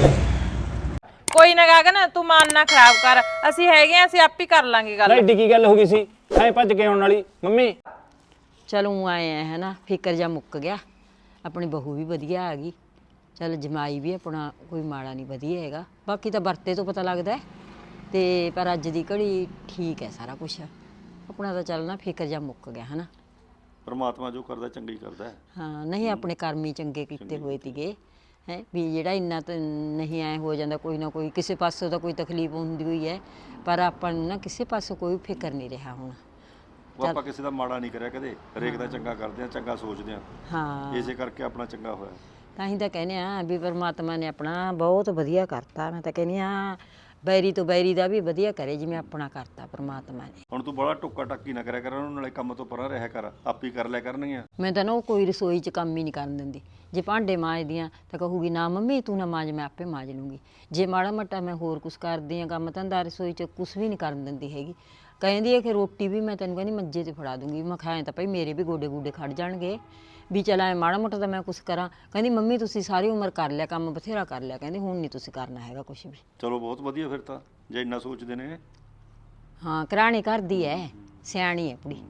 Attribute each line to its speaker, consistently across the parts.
Speaker 1: कोई ना गगन तू मन ना खराब कर ਅਸੀਂ ਹੈਗੇ ਆ ਅਸੀਂ ਆਪ ਹੀ ਕਰ ਲਾਂਗੇ ਗੱਲ
Speaker 2: ਐਡੀ ਕੀ ਗੱਲ ਹੋ ਗਈ ਸੀ ਐ ਭੱਜ ਕੇ ਆਉਣ ਵਾਲੀ ਮੰਮੀ
Speaker 3: चलो आए हैं है ना फिकर जा मुक गया अपनी बहू भी वधिया आ गई चल जमाई भी अपना कोई माड़ा नहीं वधिया हैगा बाकी तो बरते तो पता लगता है तो पर अज की घड़ी ठीक है सारा कुछ अपना तो चलना फिकर जा मुक गया है ना
Speaker 4: परमात्मा जो करदा चंगी करदा है
Speaker 3: हाँ नहीं अपने कर्म ही चंगे किते हुए थे है भी जिहड़ा इन्ना तो नहीं आए हो जाता कोई ना कोई किसी पासों तो कोई तकलीफ होंदी हुई है पर अपन ना किसी पासों कोई फिक्र नहीं रहा हुण
Speaker 4: ਉਹ ਆਪਾਂ ਕਿਸੇ ਦਾ ਮਾੜਾ ਨਹੀਂ ਕਰਿਆ ਕਦੇ ਹਰੇਕ ਦਾ ਚੰਗਾ ਕਰਦੇ ਆ ਚੰਗਾ ਸੋਚਦੇ ਆ
Speaker 3: हाँ
Speaker 4: ਇਸੇ ਕਰਕੇ ਆਪਣਾ ਚੰਗਾ ਹੋਇਆ
Speaker 3: ਤਾਂ ਹੀ ਤਾਂ ਕਹਿੰਦੇ ਆ ਵੀ ਪਰਮਾਤਮਾ ਨੇ ਆਪਣਾ ਬਹੁਤ ਵਧੀਆ ਕਰਤਾ ਮੈਂ ਤਾਂ ਕਹਿੰਦੀ ਆ ਬੈਰੀ ਤੋਂ ਬੈਰੀ ਦਾ ਵੀ ਵਧੀਆ ਕਰੇ ਜਿਵੇਂ ਆਪਣਾ ਕਰਤਾ ਪਰਮਾਤਮਾ ਨੇ
Speaker 4: ਹੁਣ ਤੂੰ ਬੜਾ ਟੋਕਾ ਟੱਕੀ ਨਾ ਕਰਿਆ ਕਰ ਉਹਨੂੰ ਨਾਲੇ ਕੰਮ ਤੋਂ ਪਰਾਂ ਰਹਿਆ ਕਰ ਆਪ ਹੀ ਕਰ ਲਿਆ ਕਰਨਗੀਆਂ
Speaker 3: ਮੈਂ ਤਾਂ ਨਾ ਉਹ ਕੋਈ ਰਸੋਈ 'ਚ ਕੰਮ ਹੀ ਨਹੀਂ ਕਰਨ ਦਿੰਦੀ ਜੇ ਭਾਂਡੇ ਮਾਂਜਦੀਆਂ ਤਾਂ ਕਹੂਗੀ ਨਾ ਮੰਮੀ ਤੂੰ ਨਾ ਮਾਂਜ ਮੈਂ ਆਪੇ ਮਾਂਜ ਲੂੰਗੀ ਜੇ ਮਾੜਾ ਮੱਟਾ ਮੈਂ ਹੋਰ ਕੁਛ ਕਰਦੀ ਆ ਕੰਮ ਧੰਦਾ ਰਸੋਈ 'ਚ ਕੁਛ ਵੀ ਨਹੀਂ ਕਰਨ ਦਿੰਦੀ ਹੈਗੀ ਕਹਿੰਦੀ ਹੈ ਕਿ ਰੋਟੀ ਵੀ ਮੈਂ ਤੈਨੂੰ ਕਹਿੰਦੀ ਮੰਜੇ 'ਤੇ ਫੜਾ ਦੂੰਗੀ ਮੈਂ ਖਾਏ ਤਾਂ ਭਾਈ ਮੇਰੇ ਵੀ ਗੋਡੇ ਗੂਡੇ ਖੜ ਜਾਣਗੇ ਵੀ ਚਲ ਐ ਮਾੜਾ ਮੋਟਾ ਤਾਂ ਮੈਂ ਕੁਛ ਕਰਾਂ ਕਹਿੰਦੀ ਮੰਮੀ ਤੁਸੀਂ ਸਾਰੀ ਉਮਰ ਕਰ ਲਿਆ ਕੰਮ ਬਥੇਰਾ ਕਰ ਲਿਆ ਕਹਿੰਦੀ ਹੁਣ ਨਹੀਂ ਤੁਸੀਂ ਕਰਨਾ ਹੈਗਾ ਕੁਛ ਵੀ
Speaker 4: ਚਲੋ ਬਹੁਤ ਵਧੀਆ ਫਿਰ ਤਾਂ ਜੇ ਇੰਨਾ ਸੋਚਦੇ ਨੇ
Speaker 3: ਹਾਂ ਘਰਾਣੀ ਕਰਦੀ ਐ ਸਿਆਣੀ ਐ ਕੁੜੀ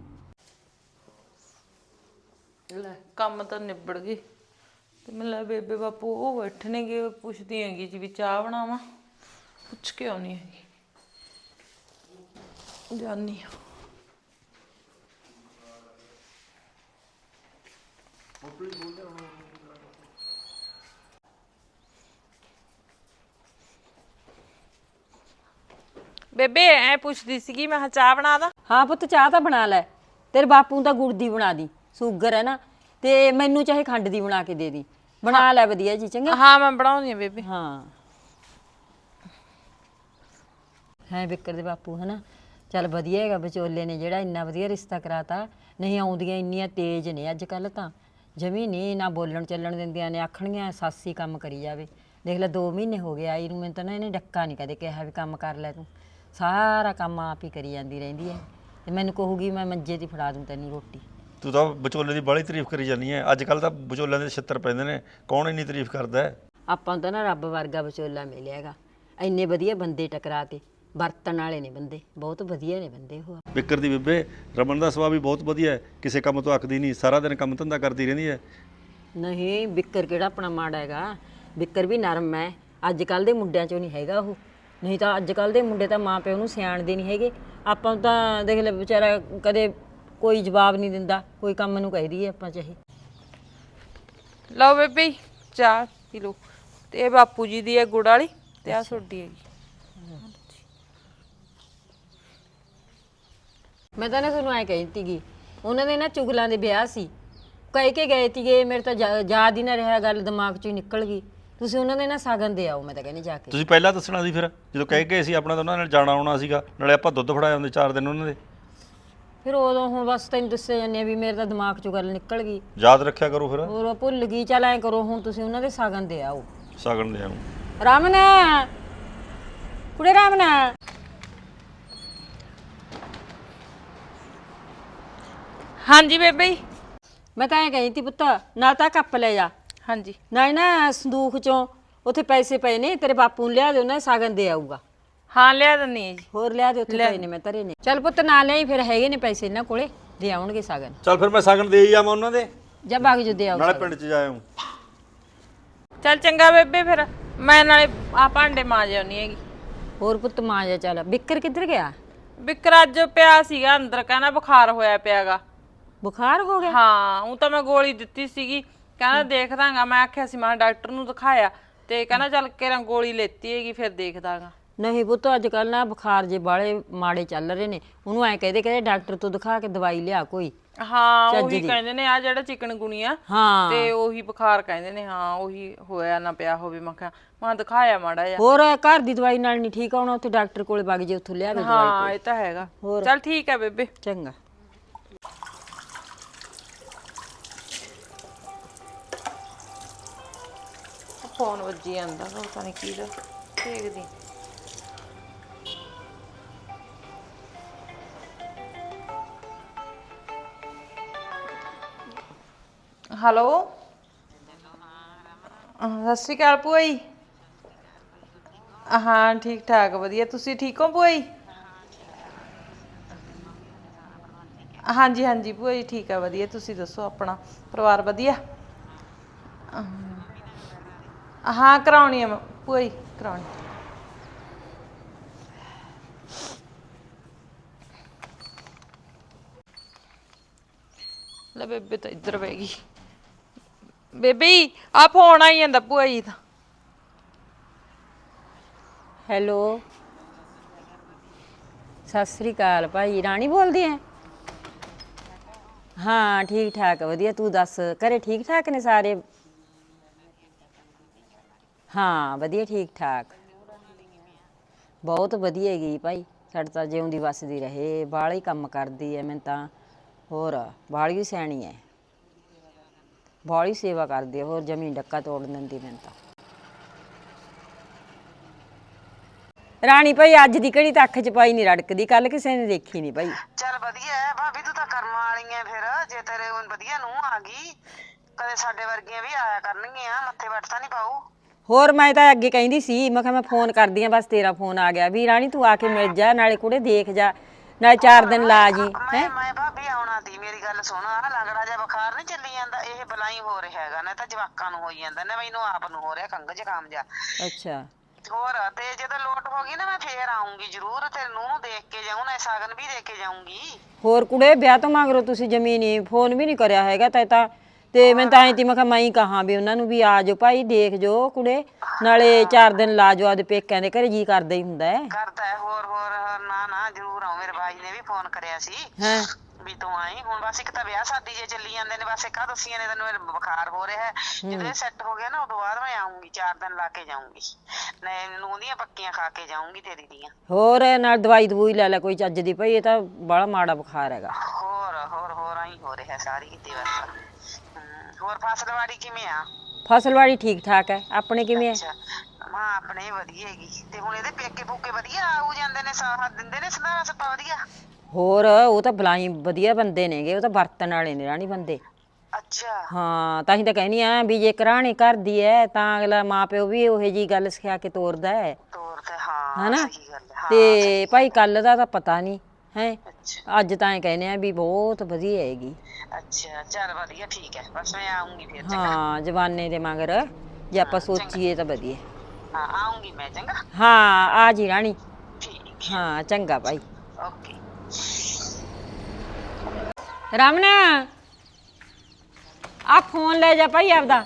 Speaker 1: ਲੈ ਕੰਮ ਤਾਂ ਨਿਬੜ ਗਏ ਤੇ ਮੈਨੂੰ ਲੱਗਾ ਬੇਬੇ ਬਾਪੂ ਉਹ ਬੈਠਣਗੇ ਪੁੱਛਦੀ ਹੈਗੀ ਜੀ ਵੀ ਚਾਹ ਬਣਾਵਾਂ ਪੁੱਛ ਕੇ ਆਉਣੀ ਹੈਗੀ ਜਾਨੀ ਆ ਬੇਬੇ ਐ ਪੁੱਛਦੀ ਸੀਗੀ ਮੈਂ ਕਿਹਾ ਚਾਹ ਬਣਾ ਦਾਂ
Speaker 3: ਹਾਂ ਪੁੱਤ ਚਾਹ ਤਾਂ ਬਣਾ ਲੈ ਤੇਰੇ ਬਾਪੂ ਨੂੰ ਤਾਂ ਗੁੜ ਦੀ ਬਣਾ ਦੀ ਸ਼ੂਗਰ ਹੈ ਨਾ ਤੇ ਮੈਨੂੰ ਚਾਹੇ ਖੰਡ ਦੀ ਬਣਾ ਕੇ ਦੇ ਦੀ ਬਣਾ ਲੈ ਵਧੀਆ ਜੀ ਚੰਗਾ
Speaker 1: ਹਾਂ ਮੈਂ ਬਣਾਉਣੀ ਆ ਬੇਬੇ
Speaker 3: ਹਾਂ ਹੈ ਵਿਕਰ ਦੇ ਬਾਪੂ ਹੈ ਨਾ ਚੱਲ ਵਧੀਆ ਹੈਗਾ ਵਿਚੋਲੇ ਨੇ ਜਿਹੜਾ ਇੰਨਾ ਵਧੀਆ ਰਿਸ਼ਤਾ ਕਰਾਤਾ ਨਹੀਂ ਆਉਂਦੀਆਂ ਇੰਨੀਆਂ ਤੇਜ਼ ਨੇ ਅੱਜ ਕੱਲ੍ਹ ਤਾਂ ਜਮੀ ਨਹੀਂ ਨਾ ਬੋਲਣ ਚੱਲਣ ਦਿੰਦੀਆਂ ਨੇ ਆਖਣਗੀਆਂ ਸਾਸੀ ਕੰਮ ਕਰੀ ਜਾਵੇ ਦੇਖ ਲੈ 2 ਮਹੀਨੇ ਹੋ ਗਏ ਆਈ ਨੂੰ ਮੈਨੂੰ ਤਾਂ ਨਾ ਇਹਨੇ ਡੱਕਾ ਨਹੀਂ ਕਦੇ ਕਿਹਾ ਵੀ ਕੰਮ ਕਰ ਲੈ ਤੂੰ ਸਾਰਾ ਕੰਮ ਆਪ ਹੀ ਕਰੀ ਜਾਂਦੀ ਰਹਿੰਦੀ ਹੈ ਤੇ ਮੈਨੂੰ ਕਹੂਗੀ ਮੈਂ ਮੰਜੇ 'ਤੇ ਫੜਾ ਦੂੰ ਤੈਨੂੰ ਰੋਟੀ
Speaker 4: ਤੂੰ ਤਾਂ ਵਿਚੋਲੇ ਦੀ ਬੜੀ ਤਾਰੀਫ ਕਰੀ ਜਾਂਦੀ ਹੈ ਅੱਜ ਕੱਲ ਤਾਂ ਵਿਚੋਲਿਆਂ ਦੇ ਛਿੱਤਰ ਪੈਂਦੇ ਨੇ ਕੌਣ ਇੰਨੀ ਤਾਰੀਫ ਕਰਦਾ ਹੈ
Speaker 3: ਆਪਾਂ ਨੂੰ ਤਾਂ ਨਾ ਰੱਬ ਵਰਗਾ ਵਿਚੋਲਾ ਮਿਲਿਆ ਹੈਗਾ ਇੰਨੇ ਵਧੀਆ ਬੰਦੇ ਟਕਰਾ ਤੇ ਵਰਤਣ ਵਾਲੇ ਨੇ ਬੰਦੇ ਬਹੁਤ ਵਧੀਆ ਨੇ ਬੰਦੇ ਉਹ
Speaker 4: ਵਿਕਰ ਦੀ ਬੇਬੇ ਰਮਨ ਦਾ ਸੁਭਾਅ ਵੀ ਬਹੁਤ ਵਧੀਆ ਹੈ ਕਿਸੇ ਕੰਮ ਤੋਂ ਅੱਕਦੀ ਨਹੀਂ ਸਾਰਾ ਦਿਨ ਕੰਮ ਧੰਦਾ ਕਰਦੀ ਰਹਿੰਦੀ ਹੈ
Speaker 3: ਨਹੀਂ ਵਿਕਰ ਕਿਹੜਾ ਆਪਣਾ ਮਾੜਾ ਹੈਗਾ ਵਿਕਰ ਵੀ ਨਰਮ ਹੈ ਅੱਜ ਕੱਲ੍ਹ ਦੇ ਮੁੰਡਿਆਂ 'ਚੋਂ ਨਹੀਂ ਹੈਗਾ ਉਹ ਨਹੀਂ ਤਾਂ ਅੱਜ ਕੱਲ੍ਹ ਦੇ ਮੁੰਡੇ ਤਾਂ ਮਾਂ ਪਿਓ ਨੂੰ ਸਿਆਣਦੇ ਨਹੀਂ ਹੈਗੇ ਆਪਾਂ ਨੂੰ ਤਾਂ ਦੇਖ ਲੈ ਵਿਚਾਰਾ ਕਦੇ ਕੋਈ ਜਵਾਬ ਨਹੀਂ ਦਿੰਦਾ ਕੋਈ ਕੰਮ ਨੂੰ ਕਹਿ ਦਈਏ ਆਪਾਂ ਚਾਹੇ
Speaker 1: ਲਓ ਬੇਬੇ ਚਾਹ ਪੀ ਲਓ ਤੇ ਇਹ ਬਾਪੂ ਜੀ ਦੀ ਹੈ ਗੁੜ ਵਾਲੀ ਤੇ ਆ ਛੋਡੀ ਹੈਗੀ
Speaker 3: ਮੈਂ ਤਾਂ ਨਾ ਤੁਹਾਨੂੰ ਐਂ ਕਹੀ ਸੀਗੀ ਉਹਨਾਂ ਦੇ ਨਾ ਚੁਗਲਾਂ ਦੇ ਵਿਆਹ ਸੀ ਕਹਿ ਕੇ ਗਏ ਸੀਗੇ ਮੇਰੇ ਤਾਂ ਯਾਦ ਹੀ ਨਾ ਰਿਹਾ ਗੱਲ ਦਿਮਾਗ 'ਚੋਂ ਹੀ ਨਿਕਲ ਗਈ ਤੁਸੀਂ ਉਹਨਾਂ ਦੇ ਨਾ ਸਾਗਨ ਦੇ ਆਓ ਮੈਂ ਤਾਂ ਕਹਿੰਦੀ ਜਾ ਕੇ
Speaker 4: ਤੁਸੀਂ ਪਹਿਲਾਂ ਦੱਸਣਾ ਸੀ ਫਿਰ ਜਦੋਂ ਕਹਿ ਕੇ ਸੀ ਆਪਣਾ ਤਾਂ ਉਹਨਾਂ ਨਾਲ ਜਾਣਾ ਆਉਣਾ ਸੀਗਾ ਨਾਲੇ ਆਪਾਂ ਦੁੱਧ ਫੜਾ ਜਾਂਦੇ 4 ਦਿਨ ਉਹਨਾਂ ਦੇ
Speaker 3: ਫਿਰ ਉਦੋਂ ਹੁਣ ਬਸ ਤੈਨੂੰ ਦੱਸਿਆ ਜਾਂਦੀ ਆ ਵੀ ਮੇਰੇ ਤਾਂ ਦਿਮਾਗ 'ਚੋਂ ਗੱਲ ਨਿਕਲ ਗਈ
Speaker 4: ਯਾਦ ਰੱਖਿਆ ਕਰੋ ਫਿਰ
Speaker 3: ਹੋਰ ਭੁੱਲ ਗਈ ਚੱਲ ਐਂ ਕਰੋ ਹੁਣ ਤੁਸੀਂ ਉਹਨਾਂ ਦੇ ਸਾਗਨ ਦੇ ਆਓ
Speaker 4: ਸਾਗਣ ਦੇ ਆਉਂ
Speaker 3: ਰਾਮਨ ਕੁੜੇ ਰਾਮਨ
Speaker 1: ਹਾਂਜੀ ਬੇਬੇ
Speaker 3: ਮੈਂ ਤਾਂ ਐਂ ਕਹੀ ਤੀ ਪੁੱਤ ਨਾਲ ਤਾਂ ਕੱਪ ਲੈ ਜਾ
Speaker 1: ਹਾਂਜੀ
Speaker 3: ਨਾ ਸੰਦੂਖ 'ਚੋਂ ਉੱਥੇ ਪੈਸੇ ਪਏ ਨੇ ਤੇਰੇ ਬਾਪੂ ਨੂੰ ਲਿਆ ਦੇ ਉਹਨਾਂ ਦੇ ਸਾਗਨ ਦੇ ਆਊਗਾ
Speaker 1: ਹਾਂ ਲਿਆ ਦਿੰਨੀ ਹੈ ਜੀ
Speaker 3: ਹੋਰ ਲਿਆ ਦੇ ਉੱਥੇ ਪਏ ਨੇ ਮੈਂ ਧਰੇ ਨੇ ਚੱਲ ਪੁੱਤ ਨਾਲ ਲੈ ਫਿਰ ਹੈਗੇ ਨੇ ਪੈਸੇ ਇਹਨਾਂ ਕੋਲੇ ਦੇ ਆਉਣਗੇ ਸਾਗਨ
Speaker 4: ਚੱਲ ਫਿਰ ਮੈਂ ਸਾਗਣ ਦੇ ਹੀ ਆਵਾਂ ਉਹਨਾਂ ਦੇ
Speaker 3: ਜਾਂ ਬਾਗ ਜੋ ਦੇ ਆਉ
Speaker 4: ਨਾਲੇ ਪਿੰਡ 'ਚ ਜਾ ਆਉਂ
Speaker 1: ਚੱਲ ਚੰਗਾ ਬੇਬੇ ਫਿਰ ਮੈਂ ਨਾਲੇ ਆ ਭਾਂਡੇ ਮਾਂਜ ਆਉਣੀ ਹੈਗੀ
Speaker 3: ਹੋਰ ਪੁੱਤ ਮਾਂ ਜਾ ਚੱਲ ਬਿੱਕਰ ਕਿੱਧਰ ਗਿਆ
Speaker 1: ਵਿਕਰ ਅੱਜ ਪਿਆ ਸੀਗਾ ਅੰਦਰ ਕਹਿੰਦਾ ਬੁਖਾਰ ਹੋਇਆ ਪਿਆਗਾ
Speaker 3: ਬੁਖਾਰ ਹੋ ਗਿਆ
Speaker 1: ਹਾਂ ਉਹ ਤਾਂ ਮੈਂ ਗੋਲੀ ਦਿੱਤੀ ਸੀਗੀ ਕਹਿੰਦਾ ਦੇਖਦਾਗਾ ਮੈਂ ਆਖਿਆ ਸੀ ਮੈਂ ਡਾਕਟਰ ਨੂੰ ਦਿਖਾਇਆ ਤੇ ਕਹਿੰਦਾ ਚੱਲ ਕੇ ਗੋਲੀ ਲੈਤੀ ਹੈਗੀ ਫਿਰ ਦੇਖਦਾਗਾ
Speaker 3: ਨਹੀਂ ਪੁੱਤ ਅੱਜ ਕੱਲ ਨਾ ਬੁਖਾਰ ਜੇ ਬਾਲੇ ਮਾੜੇ ਚੱਲ ਰਹੇ ਨੇ ਉਹਨੂੰ ਐ ਕਹਿੰਦੇ ਡਾਕਟਰ ਤੋਂ ਦਿਖਾ ਕੇ ਦਵਾਈ ਲਿਆ ਕੋਈ
Speaker 1: ਹਾਂ ਉਹੀ ਕਹਿੰਦੇ ਨੇ ਆ ਜਿਹੜਾ ਚਿਕਨਗੁਨੀਆ
Speaker 3: ਹਾਂ
Speaker 1: ਤੇ ਉਹੀ ਬੁਖਾਰ ਕਹਿੰਦੇ ਨੇ ਹਾਂ ਉਹੀ ਹੋਇਆ ਨਾ ਪਿਆ ਹੋਵੇ ਮੈਂ ਕਿਹਾ ਮੈਂ ਦਿਖਾਇਆ ਮਾੜਾ ਜਿਹਾ
Speaker 3: ਹੋਰ ਘਰ ਦੀ ਦਵਾਈ ਨਾਲ ਨਹੀਂ ਠੀਕ ਆਉਣਾ ਉੱਥੇ ਡਾਕਟਰ ਕੋਲੇ ਵਗ ਜੇ ਉੱਥੋਂ ਲਿਆ ਦੇ ਦਵਾਈ
Speaker 1: ਹਾਂ ਇਹ ਤਾਂ ਹੈਗਾ ਚੱਲ ਠੀਕ ਹੈ ਬੇਬੇ
Speaker 3: ਚੰਗਾ
Speaker 1: ਫੋਨ ਵੱਜੀ ਜਾਂਦਾ ਪਤਾ ਨਹੀਂ ਕੀ ਦਾ ਦੇਖਦੀ ਹੈਲੋ ਸਤਿ ਸ਼੍ਰੀ ਅਕਾਲ ਭੂਆ ਜੀ ਹਾਂ ਠੀਕ ਠਾਕ ਵਧੀਆ। ਤੁਸੀਂ ਠੀਕ ਹੋ ਭੂਆ ਜੀ? ਹਾਂਜੀ ਹਾਂਜੀ ਭੂਆ ਜੀ ਠੀਕ ਆ ਵਧੀਆ। ਤੁਸੀਂ ਦੱਸੋ ਆਪਣਾ ਪਰਿਵਾਰ ਵਧੀਆ? ਹਾਂ ਕਰਾਉਣੀ ਆ ਭੂਆ ਜੀ, ਕਰਾਉਣੀ। ਲੈ ਬੇਬੇ ਤਾਂ ਇੱਧਰ ਬਹਿ ਗਈ। ਬੇਬੇ ਜੀ ਆ ਫੋਨ ਆਈ ਜਾਂਦਾ ਭੂਆ ਜੀ ਦਾ।
Speaker 3: ਹੈਲੋ, ਸਤਿ ਸ੍ਰੀ ਅਕਾਲ ਭਾਈ। ਰਾਣੀ ਬੋਲਦੀ ਐ? ਹਾਂ ਠੀਕ ਠਾਕ ਵਧੀਆ। ਤੂੰ ਦੱਸ ਘਰੇ ਠੀਕ ਠਾਕ ਨੇ ਸਾਰੇ? ਹਾਂ ਵਧੀਆ ਠੀਕ ਠਾਕ। ਬਹੁਤ ਵਧੀਆ ਗਈ ਭਾਈ। ਸਾਡੇ ਤਾਂ ਜਿਉਂਦੀ ਵੱਸਦੀ ਰਹੇ। ਬਾਹਲਾ ਹੀ ਕੰਮ ਕਰਦੀ ਐ। ਮੈਨੂੰ ਤਾਂ ਹੋਰ ਬਾਹਲੀ ਸਿਆਣੀ ਐ, ਬਾਹਲੀ ਸੇਵਾ ਕਰਦੀ ਐ। ਹੋਰ ਜ਼ਮੀਨ ਡੱਕਾ ਤੋੜ ਦਿੰਦੀ ਮੈਨੂੰ ਤਾਂ। ਰਾਣੀ ਭਾਈ ਅੱਜ ਦੀ ਘੜੀ ਤਾਂ ਅੱਖ 'ਚ ਪਾਈ ਨਹੀਂ ਰੜਕਦੀ, ਕੱਲ ਕਿਸੇ ਨੇ ਦੇਖੀ ਨਹੀਂ ਭਾਈ।
Speaker 5: ਚੱਲ ਵਧੀਆ ਹੈ ਭਾਬੀ, ਤੂੰ ਤਾਂ ਕਰਮਾਂ ਵਾਲੀ ਐ ਫਿਰ। ਜੇ ਤੇਰੇ ਵਧੀਆ ਨੂੰਹ ਆ ਗਈ, ਕਦੇ ਸਾਡੇ ਵਰਗੀਆਂ ਵੀ ਆਇਆ ਕਰਨਗੀਆਂ, ਮੱਥੇ ਵੱਟ ਤਾਂ ਨਹੀਂ ਪਾਊ।
Speaker 3: ਹੋਰ ਮੈਂ ਤਾਂ ਅੱਗੇ ਕਹਿੰਦੀ ਸੀ, ਮੈਂ ਕਿਹਾ ਮੈਂ ਫੋਨ ਕਰਦੀ ਆ, ਬਸ ਤੇਰਾ ਫੋਨ ਆ ਗਿਆ ਵੀ ਰਾਣੀ ਤੂੰ ਆ ਕੇ ਮਿਲ ਜਾ, ਨਾਲੇ ਕੁੜੇ ਦੇਖ ਜਾ, ਨਾਲੇ 4 ਦਿਨ ਲਾ ਜੀ। ਹੈ
Speaker 5: ਮੈਂ ਭਾਬੀ ਆਉਣਾ ਤੀ। ਮੇਰੀ ਗੱਲ ਸੁਣ, ਆ ਲੰਗੜਾ ਜਿਹਾ ਬੁਖਾਰ ਨਹੀਂ ਚੱਲੀ ਜਾਂਦਾ, ਇਹ ਬਲਾਈ ਹੋ ਰਿਹਾ ਹੈਗਾ ਨਾ, ਤਾਂ ਜਵਾਕਾਂ ਨੂੰ ਹੋਈ ਜਾਂਦਾ ਨਾ, ਮੈਨੂੰ ਆਪ ਨੂੰ ਹੋ ਰਿਹਾ ਖੰਘ ਜ਼ੁਕਾਮ ਜਾ।
Speaker 3: ਅੱਛਾ
Speaker 5: ਹੋਰ ਤੇ ਜਦੋਂ ਲੋਟ ਹੋ ਗਈ ਨਾ, ਮੈਂ ਫੇਰ ਆਉਂਗੀ ਜ਼ਰੂਰ। ਤੇਰੇ ਨੂੰਹ ਨੂੰ ਦੇਖ ਕੇ ਜਾਊਂ, ਨਾ ਸ਼ਗਨ ਵੀ ਦੇ ਕੇ ਜਾਊਂਗੀ।
Speaker 3: ਹੋਰ ਕੁੜੇ ਵਿਆਹ ਤੋਂ ਮਗਰੋਂ ਤੁਸੀਂ ਜ਼ਮੀਨ ਹੀ ਫੋਨ ਵੀ ਨਹੀਂ ਕਰਿਆ ਹੈਗਾ ਤਾਂ ਤੇ ਮੈਂ ਤਾਂ ਐਂ ਤੀ, ਮੈਂ ਕਿਹਾ ਮੈਂ ਹੀ ਕਹਾਂ ਵੀ ਉਹਨਾਂ ਨੂੰ ਵੀ ਆ ਜਾਓ ਭਾਈ, ਦੇਖ ਜੋ ਕੁੜੇ, ਨਾਲੇ 4 ਦਿਨ ਲਾ ਜਾਓ ਆਪਦੇ ਪੇਕਿਆਂ ਦੇ ਘਰੇ, ਜੀ ਕਰਦਾ ਹੀ ਹੁੰਦਾ ਹੈ।
Speaker 5: ਕਰਦਾ ਹੈ। ਹੋਰ ਹੋਰ ਨਾ ਨਾ ਜ਼ਰੂਰ ਆਉਂ। ਮੇਰੇ ਬਾਈ ਨੇ ਵੀ ਫੋਨ ਕਰਿਆ ਸੀ
Speaker 3: ਹੈਂ
Speaker 5: ਵੀ ਤੂੰ ਆਈ। ਹੁਣ ਬਸ ਇੱਕ ਤਾਂ ਵਿਆਹ ਸ਼ਾਦੀ ਜੇ ਚੱਲੀ ਜਾਂਦੇ ਨੇ, ਬਸ ਇੱਕ ਆ ਦੱਸੀਆਂ ਨੇ ਤੈਨੂੰ ਮੇਰੇ ਬੁਖਾਰ ਹੋ ਰਿਹਾ ਹੈ। ਜਦੋਂ ਇਹ ਸੈੱਟ ਹੋ ਗਿਆ ਨਾ, ਉਦੋਂ ਬਾਅਦ ਮੈਂ ਆਉਂਗੀ, 4 ਦਿਨ ਲਾ ਕੇ ਜਾਊਂਗੀ। ਮੈਂ ਨੂੰਹ ਦੀਆਂ ਪੱਕੀਆਂ ਖਾ ਕੇ ਜਾਊਂਗੀ, ਤੇਰੀ ਦੀਆਂ।
Speaker 3: ਹੋਰ ਨਾਲ ਦਵਾਈ ਦਵੂਈ ਲੈ ਲੈ ਕੋਈ ਚੱਜ ਦੀ ਭਾਈ, ਇਹ ਤਾਂ ਬੜਾ ਮਾੜਾ ਬੁਖਾਰ ਹੈਗਾ।
Speaker 5: ਹੋਰ ਹੋਰ ਹੋਰ ਆਈ ਹੋ ਰਿਹਾ ਸਾਰੀ ਕਿਤੇ ਬਸ। ਹੋਰ ਫਸਲਵਾੜੀ ਕਿਵੇਂ ਆ?
Speaker 3: ਫਸਲਵਾੜੀ ਠੀਕ ਠਾਕ ਹੈ। ਆਪਣੇ ਕਿਵੇਂ ਹੈ?
Speaker 5: ਅੱਛਾ, ਮਾਂ ਆਪਣੇ ਵਧੀਆ ਹੈਗੀ। ਤੇ ਹੁਣ ਇਹਦੇ ਪੇਕੇ ਪੂਕੇ ਵਧੀਆ ਆਉ ਜਾਂਦੇ ਨੇ, ਸਾਥ ਦਿੰਦੇ ਨੇ, ਸੰਧਾਰਾ ਸੱਪਾ ਵਧੀਆ?
Speaker 3: ਹੋਰ ਉਹ ਤਾਂ ਬਲਾਈ ਵਧੀਆ ਬੰਦੇ ਨੇਗੇ, ਉਹ ਤਾਂ ਵਰਤਣ ਵਾਲੇ ਨੇ ਰਾਣੀ ਬੰਦੇ।
Speaker 5: ਅੱਛਾ
Speaker 3: ਹਾਂ ਤਾਂ ਹੀ ਤਾਂ ਕਹਿੰਦੀ ਆ ਵੀ ਜੇ ਕਰਾਣੀ ਕਰਦੀ ਐ ਤਾਂ ਅਗਲਾ ਮਾਂ ਪਿਓ ਵੀ ਉਹੋ ਜਿਹੀ ਗੱਲ ਸਿਖਾ ਕੇ ਤੋਰਦਾ ਹੈ,
Speaker 5: ਤੋਰ ਤੇ ਹਾਂ
Speaker 3: ਹਨਾ?
Speaker 5: ਸਹੀ ਗੱਲ ਹੈ। ਹਾਂ
Speaker 3: ਤੇ ਭਾਈ ਕੱਲ ਦਾ ਤਾਂ ਪਤਾ ਨਹੀਂ ਹੈ,
Speaker 5: ਅੱਛਾ
Speaker 3: ਅੱਜ ਤਾਂ ਇਹ ਕਹਿੰਦੇ ਆ ਵੀ ਬਹੁਤ ਵਧੀਆ ਹੈਗੀ।
Speaker 5: ਅੱਛਾ ਚੱਲ ਵਧੀਆ, ਠੀਕ ਹੈ। ਬਸ ਮੈਂ ਆਉਂਗੀ ਫਿਰ, ਚੰਗਾ।
Speaker 3: ਹਾਂ ਜਵਾਨੇ ਦੇ ਮਗਰ ਜੇ ਆਪਾਂ ਸੋਚੀਏ ਤਾਂ ਵਧੀਆ।
Speaker 5: ਹਾਂ ਆਉਂਗੀ ਮੈਂ, ਚੰਗਾ।
Speaker 3: ਹਾਂ ਆ ਜੀ ਰਾਣੀ।
Speaker 5: ਠੀਕ
Speaker 3: ਹਾਂ ਚੰਗਾ ਭਾਈ।
Speaker 5: ਓਕੇ।
Speaker 3: ਰਮਨ ਆ ਫੋਨ ਲੈ ਜਾ ਭਾਈ ਆਪਦਾ।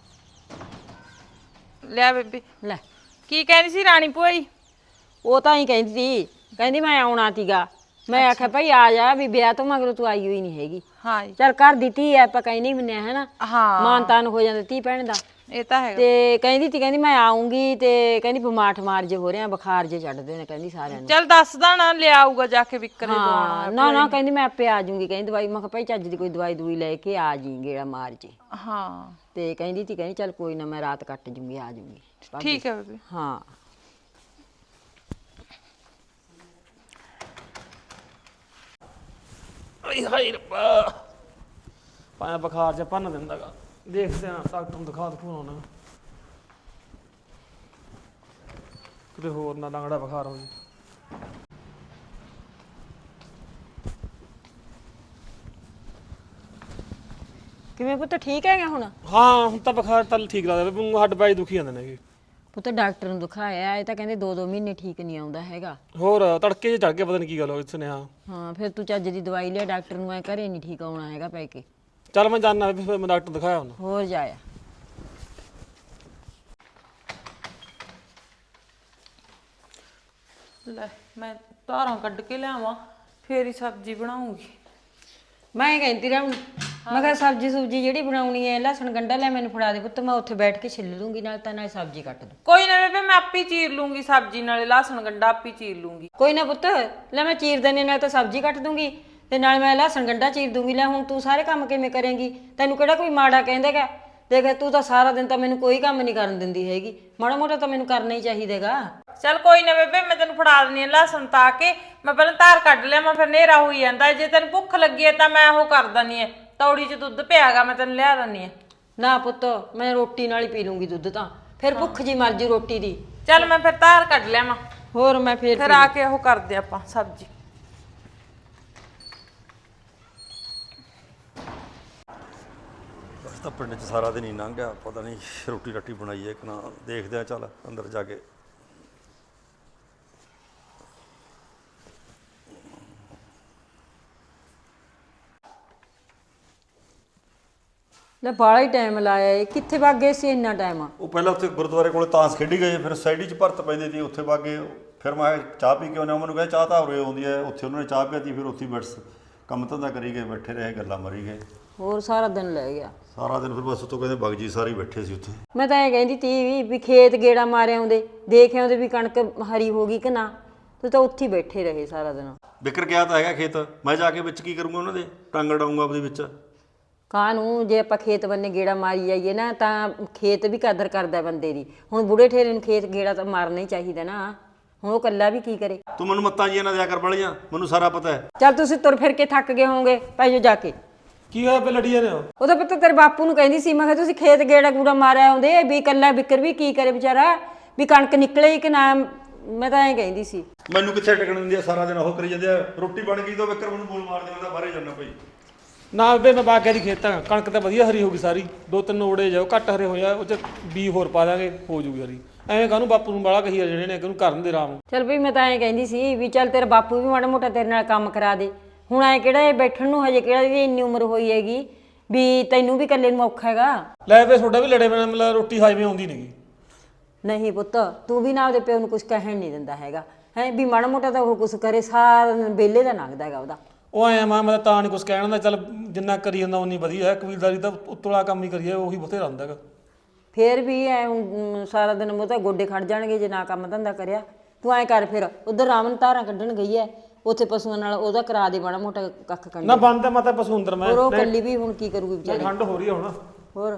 Speaker 1: ਲਿਆ ਬੇਬੇ।
Speaker 3: ਲੈ
Speaker 1: ਕੀ ਕਹਿੰਦੀ ਸੀ ਰਾਣੀ ਭੂਆ ਜੀ?
Speaker 3: ਉਹ ਤਾਂ ਹੀ ਕਹਿੰਦੀ ਸੀ, ਕਹਿੰਦੀ ਮੈਂ ਆਉਣਾ ਤੀਗਾ। ਮੈਂ ਆਖਿਆ ਭਾਈ ਆ ਜਾ, ਵੀ ਵਿਆਹ ਤੋਂ ਮਗਰੋਂ ਤੂੰ ਆਈ ਹੋਈ ਨਹੀਂ ਹੈਗੀ।
Speaker 1: ਹਾਂ ਜੀ।
Speaker 3: ਚੱਲ ਘਰ ਦੀ ਧੀ ਐ, ਆਪਾਂ ਕਹਿੰਦੇ ਹੁੰਦੇ ਆ ਹਨਾ,
Speaker 1: ਹਾਂ
Speaker 3: ਮਾਨ ਤਾਨ ਹੋ ਜਾਂਦਾ ਧੀ ਭੈਣ ਦਾ।
Speaker 1: ਇਹ ਤਾਂ ਹੈਗਾ।
Speaker 3: ਤੇ ਕਹਿੰਦੀ ਮੈਂ ਆਉਂਗੀ, ਤੇ ਕਹਿੰਦੀ ਬਿਮਾਰ ਠਮਾਰ ਜੇ ਹੋ ਰਿਹਾ, ਬੁਖਾਰ ਜੇ ਚੜਦੇ ਨੇ ਕਹਿੰਦੀ ਸਾਰਿਆਂ ਨੂੰ।
Speaker 1: ਚੱਲ ਦੱਸਦਾ ਨਾ, ਲਿਆਊਗਾ ਜਾ ਕੇ ਵਿਕਰੇ ਦਵਾਉਣਾ।
Speaker 3: ਹਾਂ ਨਾ ਕਹਿੰਦੀ ਮੈਂ ਆਪੇ ਆ ਜਾਊਂਗੀ, ਕਹਿੰਦੀ ਦਵਾਈ। ਮੈਂ ਕਿਹਾ ਭਾਈ ਚੱਜ ਦੀ ਕੋਈ ਦਵਾਈ ਦੂਈ ਲੈ ਕੇ ਆ ਜੀ, ਗੇੜਾ ਮਾਰ ਜੀ।
Speaker 1: ਹਾਂ
Speaker 3: ਤੇ ਕਹਿੰਦੀ ਚੱਲ ਕੋਈ ਨਾ, ਮੈਂ ਰਾਤ ਕੱਟ ਜੂੰਗੀ, ਆ ਜੂੰਗੀ।
Speaker 1: ਠੀਕ ਹੈ ਬੇਬੇ।
Speaker 3: ਹਾਂ
Speaker 2: ਹਾਏ ਰੱਬਾ, ਪਾਇਆ ਬੁਖਾਰ ਜਿਹਾ ਭੰਨ ਦਿੰਦਾਗਾ। ਦੇਖਦੇ ਆ ਡਾਕਟਰ ਨੂੰ ਦਿਖਾ ਦਿਖਾਉਣਾ, ਕਿਤੇ ਹੋਰ ਨਾ ਲੰਗੜਾ ਬੁਖਾਰ ਹੋ ਜੇ।
Speaker 3: ਕਿਵੇਂ ਪੁੱਤ ਠੀਕ ਹੈਗਾ ਹੁਣ?
Speaker 2: ਹਾਂ ਹੁਣ ਤਾਂ ਬੁਖਾਰ ਤਾਂ ਠੀਕ ਲੱਗਦਾ, ਮੈਨੂੰ ਹੱਡ ਪੈਰ ਦੁਖੀ ਜਾਂਦੇ ਨੇ।
Speaker 3: ਪੁੱਤ ਡਾਕਟਰ ਨੂੰ ਦਿਖਾਇਆ, ਇਹ ਤਾਂ ਕਹਿੰਦੇ 2-2 ਮਹੀਨੇ ਠੀਕ ਨਹੀਂ ਆਉਂਦਾ ਹੈਗਾ।
Speaker 2: ਹੋਰ ਤੜਕੇ ਜੇ ਚੜ ਕੇ ਪਤਾ ਨਹੀਂ ਕੀ ਗੱਲ ਹੋਈ ਸੁਨੇਹਾ।
Speaker 3: ਹਾਂ ਫਿਰ ਤੂੰ ਚੱਜ ਦੀ ਦਵਾਈ ਲਿਆ, ਡਾਕਟਰ ਨੂੰ ਐ ਘਰੇ ਨਹੀਂ ਠੀਕ ਆਉਣਾ ਹੈਗਾ ਪੈ ਕੇ।
Speaker 2: ਚੱਲ ਮੈਂ ਜਾਣਾ, ਫਿਰ ਮੈਂ ਡਾਕਟਰ ਦਿਖਾਇਆ ਹੁਣ।
Speaker 3: ਹੋਰ ਜਾਇਆ।
Speaker 1: ਲੈ ਮੈਂ ਧਾਰਾਂ ਕੱਢ ਕੇ ਲਿਆਵਾਂ, ਫੇਰ ਹੀ ਸਬਜ਼ੀ ਬਣਾਉਂਗੀ।
Speaker 3: ਮੈਂ ਕਹਿੰਦੀ ਰਹਿ, ਮੈਂ ਕਿਹਾ ਸਬਜ਼ੀ ਸੁਬਜੀ ਜਿਹੜੀ ਬਣਾਉਣੀ ਹੈ, ਲਸਣ ਗੰਢਾ ਲੈ ਮੈਨੂੰ ਫੜਾ ਦੇ ਪੁੱਤ, ਮੈਂ ਉੱਥੇ ਬੈਠ ਕੇ ਛਿੱਲ ਲੂੰਗੀ, ਨਾਲ ਤਾਂ ਨਾਲ ਸਬਜ਼ੀ ਕੱਟ ਦੂੰ।
Speaker 1: ਕੋਈ ਨਾ ਬੇਬੇ, ਮੈਂ ਆਪੇ ਚੀਰ ਲੂੰਗੀ ਸਬਜ਼ੀ, ਨਾਲੇ ਲਸਣ ਗੰਢਾ ਆਪੇ ਚੀਰ ਲੂੰਗੀ।
Speaker 3: ਕੋਈ ਨਾ ਪੁੱਤ, ਲੈ ਮੈਂ ਚੀਰ ਦੇਣੇ, ਨਾਲ ਤਾਂ ਸਬਜ਼ੀ ਕੱਟ ਦੂੰਗੀ ਤੇ ਨਾਲ ਮੈਂ ਲਸਣ ਗੰਢਾ ਚੀਰ ਦੂੰਗੀ। ਲੈ ਹੁਣ ਤੂੰ ਸਾਰੇ ਕੰਮ ਕਿਵੇਂ ਕਰੇਂਗੀ? ਤੈਨੂੰ ਕਿਹੜਾ ਕੋਈ ਮਾੜਾ ਕਹਿੰਦੇਗਾ? ਦੇਖ ਤੂੰ ਤਾਂ ਸਾਰਾ ਦਿਨ ਤਾਂ ਮੈਨੂੰ ਕੋਈ ਕੰਮ ਨਹੀਂ ਕਰਨ ਦਿੰਦੀ ਹੈਗੀ, ਮਾੜਾ ਮੋਟਾ ਤਾਂ ਮੈਨੂੰ ਕਰਨਾ ਹੀ ਚਾਹੀਦਾਗਾ।
Speaker 1: ਚੱਲ ਕੋਈ ਨਾ ਬੇਬੇ, ਮੈਂ ਤੈਨੂੰ ਫੜਾ ਦਿੰਦੀ ਆ ਲਸਣ ਤਾ ਕੇ। ਮੈਂ ਪਹਿਲਾਂ ਧਾਰ ਕੱਢ ਲਿਆ, ਮੈਂ ਫਿਰ ਹਨੇਰਾ ਹੋਈ ਜਾਂਦਾ। ਜੇ ਤੈਨੂੰ ਭੁੱਖ ਲੱਗੀ ਹੈ ਤਾਂ ਮੈਂ ਉਹ ਕਰ ਦਿੰਦੀ ਆ, ਤੌੜੀ 'ਚ ਦੁੱਧ ਪਿਆਗਾ, ਮੈਂ ਤੈਨੂੰ ਲਿਆ ਦਿੰਦੀ ਆ।
Speaker 3: ਨਾ ਪੁੱਤ, ਮੈਂ ਰੋਟੀ ਨਾਲ ਹੀ ਪੀ ਲੂੰਗੀ ਦੁੱਧ ਤਾਂ, ਫਿਰ ਭੁੱਖ ਜੀ ਮਰ ਜੂ ਰੋਟੀ ਦੀ।
Speaker 1: ਚੱਲ ਮੈਂ ਫਿਰ ਧਾਰ ਕੱਢ ਲਿਆਵਾਂ,
Speaker 3: ਹੋਰ ਮੈਂ ਫੇਰ
Speaker 1: ਫਿਰ ਆ ਕੇ ਉਹ ਕਰਦੇ ਆਪਾਂ ਸਬਜ਼ੀ।
Speaker 4: ਬਸ ਤਾਂ ਪਿੰਡ 'ਚ ਸਾਰਾ ਦਿਨ ਹੀ ਲੰਘ ਗਿਆ, ਪਤਾ ਨਹੀਂ ਰੋਟੀ ਰਾਟੀ ਬਣਾਈ ਹੈ ਕਿ ਨਾ, ਦੇਖਦੇ ਆ। ਚੱਲ ਅੰਦਰ ਜਾ ਕੇ
Speaker 3: ਲੈ ਬਾਹਲਾ ਹੀ ਟਾਈਮ ਲਾਇਆ ਏ, ਕਿੱਥੇ ਵਗ ਗਏ ਸੀ ਇੰਨਾ ਟਾਈਮ?
Speaker 4: ਉਹ ਪਹਿਲਾਂ ਉੱਥੇ ਗੁਰਦੁਆਰੇ ਕੋਲੇ ਤਾਂਸ ਖੇਡੀ ਗਏ, ਫਿਰ ਸਾਈਡੀ 'ਚ ਭਰਤ ਪੈਂਦੀ ਸੀ, ਉੱਥੇ ਵਗ ਗਏ। ਫਿਰ ਮੈਂ ਚਾਹ ਪੀ ਕੇ ਆਉਂਦੇ, ਮੈਨੂੰ ਕਹਿੰਦਾ ਚਾਹ ਤਾਂ ਉਰੇ ਆਉਂਦੀ ਹੈ, ਉੱਥੇ ਉਹਨਾਂ ਨੇ ਚਾਹ ਪੀਤੀ, ਫਿਰ ਉੱਥੇ ਬੈਠ ਕੰਮ ਧੰਦਾ ਕਰੀ ਗਏ, ਬੈਠੇ ਰਹੇ, ਗੱਲਾਂ ਮਾਰੀ ਗਏ।
Speaker 3: ਹੋਰ ਸਾਰਾ ਦਿਨ ਲੈ ਗਿਆ
Speaker 4: ਸਾਰਾ ਦਿਨ ਫਿਰ ਬਸ ਉੱਥੋਂ ਕਹਿੰਦੇ ਬਗਜੀ ਸਾਰੇ ਬੈਠੇ ਸੀ ਉੱਥੇ।
Speaker 3: ਮੈਂ ਤਾਂ ਇਹ ਕਹਿੰਦੀ ਤੀ ਵੀ ਖੇਤ ਗੇੜਾ ਮਾਰੇ ਆਉਂਦੇ, ਦੇਖ ਆਉਂਦੇ ਵੀ ਕਣਕ ਹਰੀ ਹੋ ਗਈ ਕਿ ਨਾ। ਤੂੰ ਤਾਂ ਉੱਥੇ ਹੀ ਬੈਠੇ ਰਹੇ ਸਾਰਾ ਦਿਨ।
Speaker 4: ਵਿਕਰ ਗਿਆ ਤਾਂ ਹੈਗਾ ਖੇਤ, ਮੈਂ ਜਾ ਕੇ ਵਿੱਚ ਕੀ ਕਰੂੰਗਾ ਉਹਨਾਂ ਦੇ, ਟੰਗ ਡਾਊਂਗਾ ਆਪਦੇ ਵਿੱਚ।
Speaker 3: ਕਾਹਨੂੰ ਜੇ ਆਪਾਂ ਖੇਤ ਬੰਨੇ ਗੇੜਾ ਮਾਰੀ ਜਾਈਏ ਨਾ ਤਾਂ ਖੇਤ ਵੀ ਕਦਰ ਕਰਦਾ ਬੰਦੇ ਦੀ। ਹੁਣ ਬੁੜੇ ਠੇਰੇ ਨੂੰ ਖੇਤ ਗੇੜਾ ਤਾਂ ਮਾਰਨਾ ਹੀ ਚਾਹੀਦਾ ਨਾ, ਹੁਣ ਉਹ ਇਕੱਲਾ ਵੀ ਕੀ ਕਰੇ।
Speaker 4: ਤੂੰ ਮੈਨੂੰ ਮੱਤਾਂ ਜੀਆਂ ਨਾ ਦਿਆ ਕਰ ਬਲੀਆਂ, ਮੈਨੂੰ ਸਾਰਾ ਪਤਾ ਹੈ।
Speaker 3: ਚੱਲ ਤੁਸੀਂ ਤੁਰ ਫਿਰ ਕੇ ਥੱਕ ਗਏ ਹੋਵੋਗੇ, ਪੈ ਜਾਓ ਜਾ ਕੇ।
Speaker 2: ਕੀ ਹੋਇਆ ਪੇ ਲੜੀ ਜਾਂਦੇ ਹੋ?
Speaker 3: ਉਹਦਾ ਪਤਾ ਤੇਰੇ ਬਾਪੂ ਨੂੰ ਕਹਿੰਦੀ ਸੀ, ਮੈਂ ਕਿਹਾ ਤੁਸੀਂ ਖੇਤ ਗੇੜਾ ਗੂੜਾ ਮਾਰਿਆ ਆਉਂਦੇ ਵੀ ਇਕੱਲਾ ਵਿਕਰ ਵੀ ਕੀ ਕਰੇ ਵਿਚਾਰਾ, ਵੀ ਕਣਕ ਨਿਕਲੇ ਕਿ ਨਾ। ਮੈਂ ਤਾਂ ਐਂ ਕਹਿੰਦੀ ਸੀ।
Speaker 4: ਮੈਨੂੰ ਕਿੱਥੇ ਟਿਕਣ ਦਿੰਦੀ ਆ, ਸਾਰਾ ਦਿਨ ਉਹ ਕਰੀ ਜਾਂਦੇ ਆ। ਰੋਟੀ ਬਣ ਗਈ ਤਾਂ ਵਿਕਰ ਮੈਨੂੰ ਬੋਲ ਮਾਰਦੇ, ਮੈਂ ਤਾਂ ਬਾਹਰੇ ਜਾਣਾ ਭਾਈ।
Speaker 2: ਨਾ ਬੇ ਮੈਂ ਬਾਗਿਆ ਦੀ ਖੇਤਾਂ, ਕਣਕ ਤਾਂ ਵਧੀਆ ਹਰੀ ਹੋ ਗਈ ਸਾਰੀ, 2-3 ਓੜੇ ਜਾਓ ਘੱਟ ਹਰੇ ਹੋਇਆ, ਉਹ ਚ ਬੀ ਹੋਰ ਪਾ ਦਾਂਗੇ, ਹੋ ਜੂਗੀ ਹਰੀ। ਐਵੇਂ ਕਾਹਨੂੰ ਬਾਪੂ ਨੂੰ ਬਾਲਾ ਕਹੀ ਜਿਹੜੇ ਨੇ, ਕਿਹਨੂੰ ਕਰਨ ਦੇ ਰਾਮ।
Speaker 3: ਚੱਲ ਵੀ ਮੈਂ ਤਾਂ ਐਂ ਕਹਿੰਦੀ ਸੀ ਵੀ ਚੱਲ ਤੇਰਾ ਬਾਪੂ ਵੀ ਮਾੜਾ ਮੋਟਾ ਤੇਰੇ ਨਾਲ ਕੰਮ ਕਰਾ ਦੇ। ਹੁਣ ਐ ਕਿਹੜਾ ਇਹ ਬੈਠਣ ਨੂੰ ਹਜੇ ਕਿਹੜਾ ਇਹਦੀ ਇੰਨੀ ਉਮਰ ਹੋਈ ਹੈਗੀ ਵੀ ਤੈਨੂੰ ਵੀ ਇਕੱਲੇ ਨੂੰ ਔਖਾ ਹੈਗਾ।
Speaker 2: ਲੈ ਵੇ ਤੁਹਾਡਾ ਵੀ ਲੜੇ ਬਿਨਾਂ ਮਤਲਬ ਰੋਟੀ ਹਾਈਵੇਂ ਆਉਂਦੀ ਨਹੀਂਗੀ।
Speaker 3: ਨਹੀਂ ਪੁੱਤ, ਤੂੰ ਵੀ ਨਾ ਉਹਦੇ ਪਿਓ ਨੂੰ ਕੁਝ ਕਹਿਣ ਨਹੀਂ ਦਿੰਦਾ ਹੈਗਾ ਹੈ ਵੀ ਮਾੜਾ ਮੋਟਾ ਤਾਂ ਉਹ ਕੁਛ ਕਰੇ, ਸਾਰਾ ਦਿਨ ਵਿਹਲੇ ਦਾ ਲੰਘਦਾ ਹੈਗਾ ਉਹਦਾ।
Speaker 2: ਉਹ ਐਂ ਮੈਂ ਤਾਂ ਨਹੀਂ ਕੁਛ ਕਹਿਣ ਦਾ, ਚੱਲ ਜਿੰਨਾ ਕਰੀ ਜਾਂਦਾ ਉਨੀ ਵਧੀਆ ਹੈ। ਕਬੀਲਦਾਰੀ ਤਾਂ ਉੱਤਲਾ ਕੰਮ ਹੀ ਕਰੀਏ, ਉਹੀ ਬਥੇਰਾ ਹੁੰਦਾ ਹੈਗਾ।
Speaker 3: ਫੇਰ ਵੀ ਐ ਸਾਰਾ ਦਿਨ ਉਹ ਤਾਂ ਗੋਡੇ ਖੜ ਜਾਣਗੇ ਜੇ ਨਾ ਕੰਮ ਧੰਦਾ ਕਰਿਆ। ਤੂੰ ਐਂ ਕਰ ਫਿਰ ਉਧਰ ਰਾਮਨ ਧਾਰਾਂ ਕੱਢਣ ਗਈ ਐ, ਉੱਥੇ ਪਸ਼ੂਆਂ ਨਾਲ ਉਹਦਾ ਕਰਾ ਦੇ ਮਾੜਾ ਮੋਟਾ ਕੱਖ ਕੰਡਾ।
Speaker 2: ਨਾ ਬੰਦ ਮੈਂ ਤਾਂ ਪਸ਼ੂ ਅੰਦਰ ਮੈਂ
Speaker 3: ਹੋਰ ਉਹ ਕੱਲੀ ਵੀ ਹੁਣ ਕੀ ਕਰੂਗੀ ਵਿਚਾਰੀ।
Speaker 2: ਠੰਡ ਹੋ ਰਹੀ ਹੈ ਹੁਣ।
Speaker 3: ਹੋਰ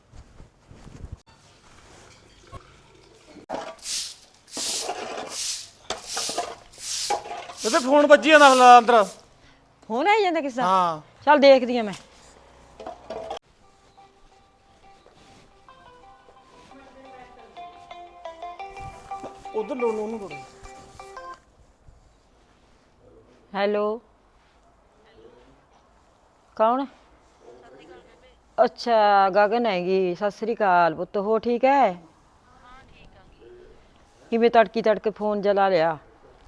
Speaker 2: ਤੇ ਫੋਨ ਵੱਜੀ ਜਾਂਦਾ ਅੰਦਰ।
Speaker 3: ਫੋਨ ਆਈ ਜਾਂਦਾ ਕਿਸੇ ਦਾ?
Speaker 2: ਹਾਂ
Speaker 3: ਚੱਲ ਦੇਖਦੀ ਆ ਮੈਂ।
Speaker 2: ਉਧਰ ਲੋਨ ਉਹਨੂੰ ਕਰੋ।
Speaker 3: ਹੈਲੋ, ਕੌਣ? ਅੱਛਾ ਗਗਨ ਹੈਗੀ। ਸਤਿ ਸ੍ਰੀ ਅਕਾਲ ਪੁੱਤ, ਹੋ ਠੀਕ ਹੈ? ਹਾਂ ਠੀਕ ਆ। ਕਿਵੇਂ ਤੜਕੀ ਤੜਕੇ ਫੋਨ ਜਲਾ ਲਿਆ?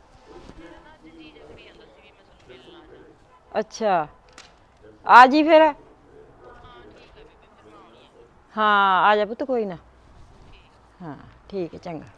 Speaker 3: ਅੱਛਾ ਆ ਜੀ ਫਿਰ। ਹਾਂ ਆ ਜਾ ਪੁੱਤ, ਕੋਈ ਨਾ। ਹਾਂ ਠੀਕ ਹੈ, ਚੰਗਾ।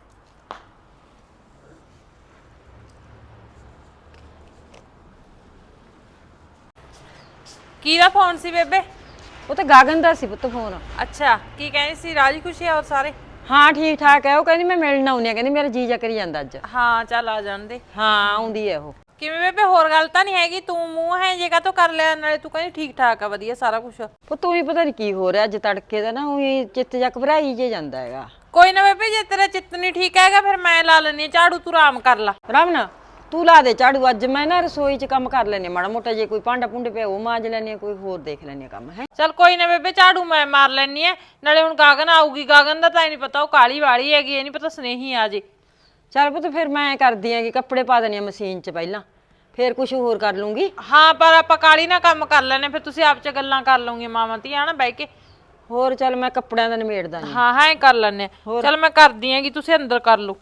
Speaker 1: ਕਿਹਦਾ ਫੋਨ ਸੀ ਬੇਬੇ?
Speaker 3: ਉਹ ਤਾਂ ਗਗਨ ਦਾ ਸੀ ਪੁੱਤ ਫੋਨ।
Speaker 1: ਅੱਛਾ, ਕੀ ਕਹਿੰਦੀ ਸੀ? ਰਾਜੀ ਖੁਸ਼ੀ ਆ ਹੋਰ ਸਾਰੇ?
Speaker 3: ਹਾਂ ਠੀਕ ਠਾਕ ਹੈ। ਉਹ ਕਹਿੰਦੀ ਮੈਂ ਮਿਲਣ ਆਉਂਦੀ ਆ, ਕਹਿੰਦੀ ਮੇਰਾ ਜੀ ਜਾ ਕਰੀ ਜਾਂਦਾ ਅੱਜ।
Speaker 1: ਹਾਂ ਚੱਲ ਆ ਜਾਣ ਦੇ।
Speaker 3: ਹਾਂ ਆਉਂਦੀ ਹੈ ਉਹ।
Speaker 1: ਕਿਵੇਂ ਬੇਬੇ, ਹੋਰ ਗੱਲ ਤਾਂ ਨਹੀਂ ਹੈਗੀ? ਤੂੰ ਮੂੰਹ ਹੈ ਜੇ ਕਾਹਤੋਂ ਕਰ ਲਿਆ? ਨਾਲੇ ਤੂੰ ਕਹਿੰਦੀ ਠੀਕ ਠਾਕ ਆ, ਵਧੀਆ ਸਾਰਾ ਕੁਝ।
Speaker 3: ਪੁੱਤ ਵੀ ਪਤਾ ਨਹੀਂ ਕੀ ਹੋ ਰਿਹਾ ਅੱਜ ਤੜਕੇ ਦਾ ਨਾ, ਉਹੀ ਚਿੱਤ ਜਾ ਘਬਰਾਈ ਜੇ ਜਾਂਦਾ ਹੈਗਾ।
Speaker 1: ਕੋਈ ਨਾ ਬੇਬੇ, ਜੇ ਤੇਰਾ ਚਿੱਤ ਨਹੀਂ ਠੀਕ ਹੈਗਾ ਫਿਰ ਮੈਂ ਲਾ ਲੈਣੀ ਝਾੜੂ, ਤੂੰ ਆਰਾਮ ਕਰ ਲਾ।
Speaker 3: ਰਮਨ ਤੂੰ ਲਾ ਦੇ ਝਾੜੂ, ਅੱਜ ਮੈਂ ਨਾ ਰਸੋਈ 'ਚ ਕੰਮ ਕਰ ਲੈਣੀ ਮਾੜਾ ਮੋਟਾ, ਜੇ ਕੋਈ ਭਾਂਡਾ ਭੁੰਡੇ ਪਿਆ ਉਹ ਮਾਂਜ ਲੈਣੀ, ਕੋਈ ਹੋਰ ਦੇਖ ਲੈਣੀ ਕੰਮ ਹੈ।
Speaker 1: ਚੱਲ ਕੋਈ ਨਾ ਬੇਬੇ, ਝਾੜੂ ਮੈਂ ਮਾਰ ਲੈਣੀ ਆ। ਨਾਲੇ ਹੁਣ ਗਾਗਨ ਆਊਗੀ, ਗਾਗਨ ਦਾ ਤਾਂ ਨਹੀਂ ਪਤਾ, ਉਹ ਕਾਲੀ ਵਾਲੀ ਹੈਗੀ, ਇਹ ਨਹੀਂ ਪਤਾ ਸਨੇਹੀ ਆ ਜੇ।
Speaker 3: ਚੱਲ ਪੁੱਤ ਫਿਰ ਮੈਂ ਕਰਦੀ ਆਂ ਕਿ ਕੱਪੜੇ ਪਾ ਦੇਣੀ ਆ ਮਸ਼ੀਨ 'ਚ ਪਹਿਲਾਂ, ਫਿਰ ਕੁਝ ਹੋਰ ਕਰ ਲੂੰਗੀ।
Speaker 1: ਹਾਂ ਪਰ ਆਪਾਂ ਕਾਲੀ ਨਾਲ ਕੰਮ ਕਰ ਲੈਣੇ, ਫਿਰ ਤੁਸੀਂ ਆਪ 'ਚ ਗੱਲਾਂ ਕਰ ਲਓਗੇ ਮਾਵਾਂ ਧੀਆਂ ਨਾ ਬਹਿ ਕੇ।
Speaker 3: ਹੋਰ ਚੱਲ ਮੈਂ ਕੱਪੜਿਆਂ ਦਾ ਨਿਮੇੜਦਾ ਨਹੀਂ।
Speaker 1: ਹਾਂ ਹਾਂ ਕਰ ਲੈਣੇ। ਚੱਲ ਮੈਂ ਕਰਦੀ ਆਂਗੀ, ਤੁਸੀਂ ਅੰਦਰ ਕਰ ਲਓ।